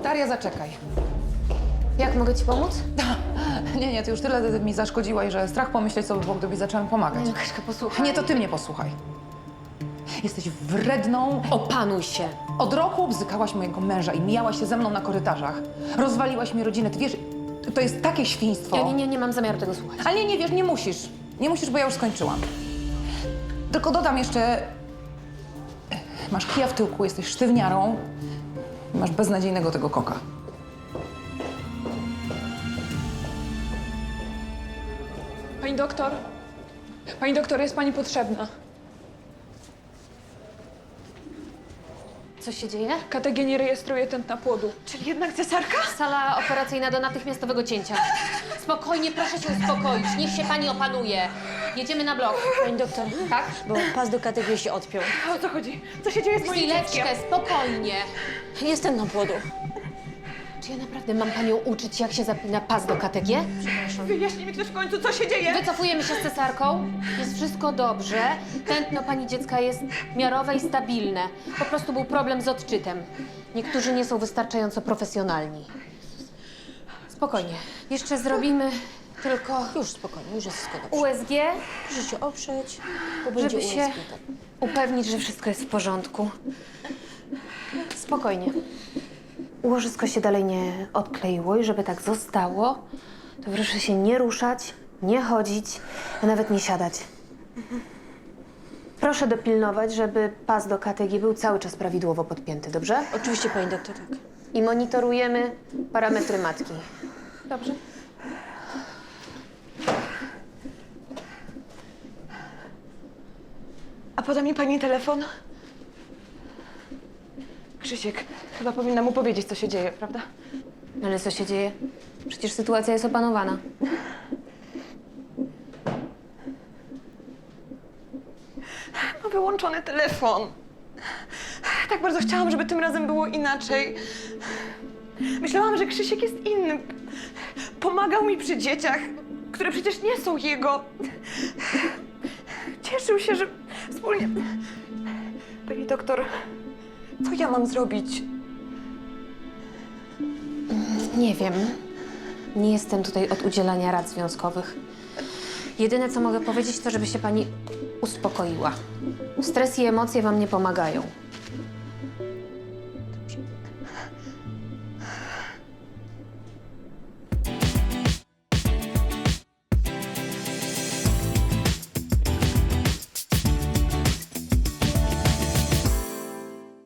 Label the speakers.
Speaker 1: Daria, zaczekaj.
Speaker 2: Jak mogę ci pomóc?
Speaker 1: Nie, ty już tyle mi zaszkodziłaś, że strach pomyśleć, co by było, gdybyś zaczęła mi pomagać.
Speaker 2: Nie, Kaśka, posłuchaj.
Speaker 1: Nie, to ty mnie posłuchaj. Jesteś wredną.
Speaker 2: Opanuj się.
Speaker 1: Od roku obzykałaś mojego męża i mijałaś się ze mną na korytarzach. Rozwaliłaś mi rodzinę. Ty wiesz, to jest takie świństwo.
Speaker 2: Ja nie mam zamiaru tego słuchać.
Speaker 1: Ale nie wiesz, nie musisz. Nie musisz, bo ja już skończyłam. Tylko dodam jeszcze... Masz kija w tyłku, jesteś sztywniarą. I masz beznadziejnego tego koka.
Speaker 3: Pani doktor? Pani doktor, jest pani potrzebna.
Speaker 2: Co się dzieje?
Speaker 3: KTG nie rejestruje tętna płodu.
Speaker 4: Czyli jednak cesarka?
Speaker 2: Sala operacyjna do natychmiastowego cięcia. Spokojnie, proszę się uspokoić. Niech się pani opanuje. Jedziemy na blok.
Speaker 4: Pani doktor,
Speaker 2: Tak?
Speaker 4: bo pas do KTG się odpiął.
Speaker 3: O co chodzi? Co się dzieje z moim dzieckiem?
Speaker 2: Chwileczkę, spokojnie.
Speaker 4: Jestem na płodu.
Speaker 2: Czy ja naprawdę mam panią uczyć, jak się zapina pas do KTG?
Speaker 3: Wyjaśnij mi ktoś w końcu, co się dzieje?
Speaker 2: Wycofujemy się z cesarką. Jest wszystko dobrze. Tętno pani dziecka jest miarowe i stabilne. Po prostu był problem z odczytem. Niektórzy nie są wystarczająco profesjonalni. Spokojnie. Jeszcze zrobimy tylko
Speaker 4: Już spokojnie, już jest wszystko dobrze.
Speaker 2: USG,
Speaker 4: Proszę się oprzeć, bo będzie
Speaker 2: żeby się
Speaker 4: USG, tak.
Speaker 2: upewnić, że wszystko jest w porządku. Spokojnie. Łożysko się dalej nie odkleiło i żeby tak zostało, to proszę się nie ruszać, nie chodzić, a nawet nie siadać. Proszę dopilnować, żeby pas do KTG był cały czas prawidłowo podpięty, dobrze?
Speaker 4: Oczywiście, pani doktor, tak.
Speaker 2: I monitorujemy parametry matki. Dobrze?
Speaker 4: A poda mi pani telefon? Krzysiek, chyba powinna mu powiedzieć, co się dzieje, prawda?
Speaker 2: Ale co się dzieje? Przecież sytuacja jest opanowana.
Speaker 4: Ma wyłączony telefon. Tak bardzo chciałam, żeby tym razem było inaczej. Myślałam, że Krzysiek jest inny. Pomagał mi przy dzieciach, które przecież nie są jego. Cieszył się, że wspólnie... Pani doktor, co ja mam zrobić?
Speaker 2: Nie wiem. Nie jestem tutaj od udzielania rad związkowych. Jedyne, co mogę powiedzieć, to żeby się pani uspokoiła. Stres i emocje wam nie pomagają.